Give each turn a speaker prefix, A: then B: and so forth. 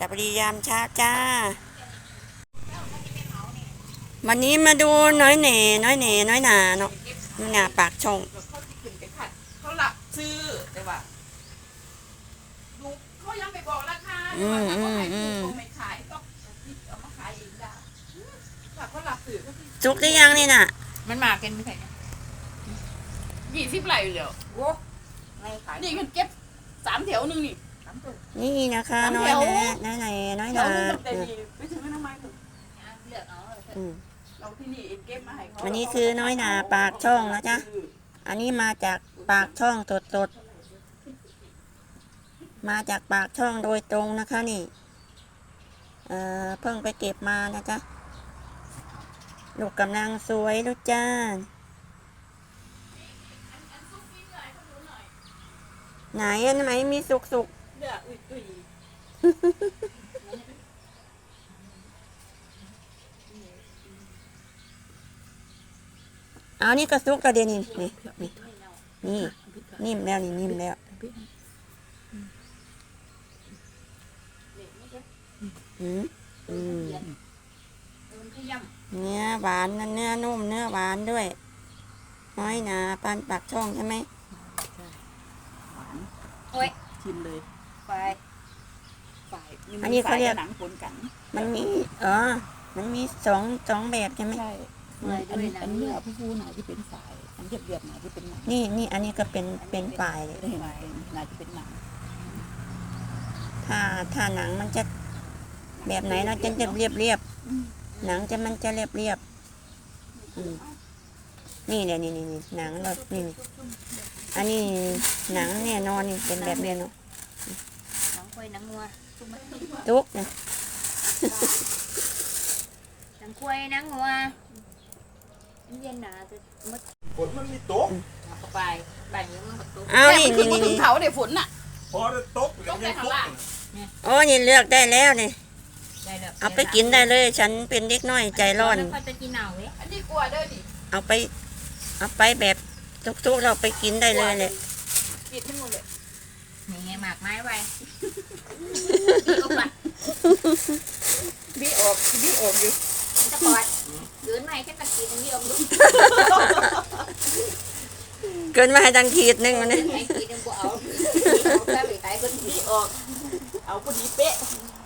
A: สวัสดียามเช้าจ้าวันนี้มาดูน้อยหนาเนาะน้อยหนาปากช่อง
B: เขาหลับซื้อแต่ว่าดูเขายังไปบอกราคาว่าถ้าเขาขายถูกไม่ขายต้องเอามาขายเองได้ถ้าเขาหลับซื้อ
A: จุกได้ยังนี่น่ะ
B: มันมากันไม่ใช่20 ไหลอยู่แล้วโอ้นี่มันเก็บ3 แถวนึงนี่
A: นี่นะคะน้อยหนา
B: ไปถึงน้ำไม้ถึงเราที่นี่เก็บมาให้เขา
A: วันนี้คือน้อยหนาปากช่องนะจ๊ะอันนี้มาจากปากช่องสดมาจากปากช่องโดยตรงนะคะนี่เพิ่งไปเก็บมานะจ๊ะลูกกำลังสวยลูกจ้าไหนอันไหนมีสุกเอานี่ก็สุกกระเด็นนี่นิ่มแล้วนี่นิ่มแล้วเนื้อหวานนะเนื้อนุ่มเนื้อหวานด้วยน้อยหนาปานปากช่องใช่ไหม
B: หวานโอ้ยชิมเลยฝ่าย
A: อันนี้เขาเรียก
B: หนังผลกัน
A: มันมีสองแบบใช่ไหม
B: ใช่อันนี้ผู้หนาที่เป็นฝ่ายอันเรียบหนาที่เป็นหนัง
A: นี่อันนี้ก็เป็นฝ่ายเลย
B: หนาที่เป็นหนัง
A: ถ้าหนังมันจะแบบไหนเราจะเรียบหนังมันจะเรียบนี่แหละนี่หนังเรานี่อันนี้หนังเนี่ยนอนนี่เป็นแบบเนี้ยเนาะ
B: หนังควายหนังงัว
A: ทุกนะ
B: หนังควายหนังงัวเย็นหนาจะมัด
C: ฝนมันมีตก
B: เข้าไปบ่ายนี้มันตก
A: เอานี่
B: ถึงเขาเดี๋ยวฝนน่ะ
C: พอได้ตก
B: ได้ข้างล่าง
A: โอ้นี่เลือกได้แล้วนี่เอาไปกินได้เลยฉันเป็นเด็กน้อยใจร้อน
B: จะกินเอาเว้ยอันนี้กลัวเด้อดิ
A: เอาไปแบบทุกเราไปกินได้เลยเลย
B: กินทั้งหมดเลยนี่ไงหมากไม้ไว้บีออกอยู่จะปอดเกินไม่แค่ตะกี้ตรงนี้ออกดู
A: เกินมาให้ดังขีดนึงวันนี้
B: ไอ้ขีดนึงกูเอาแค่ไปไต่คนบีออกเอาคนนี้เป๊ะ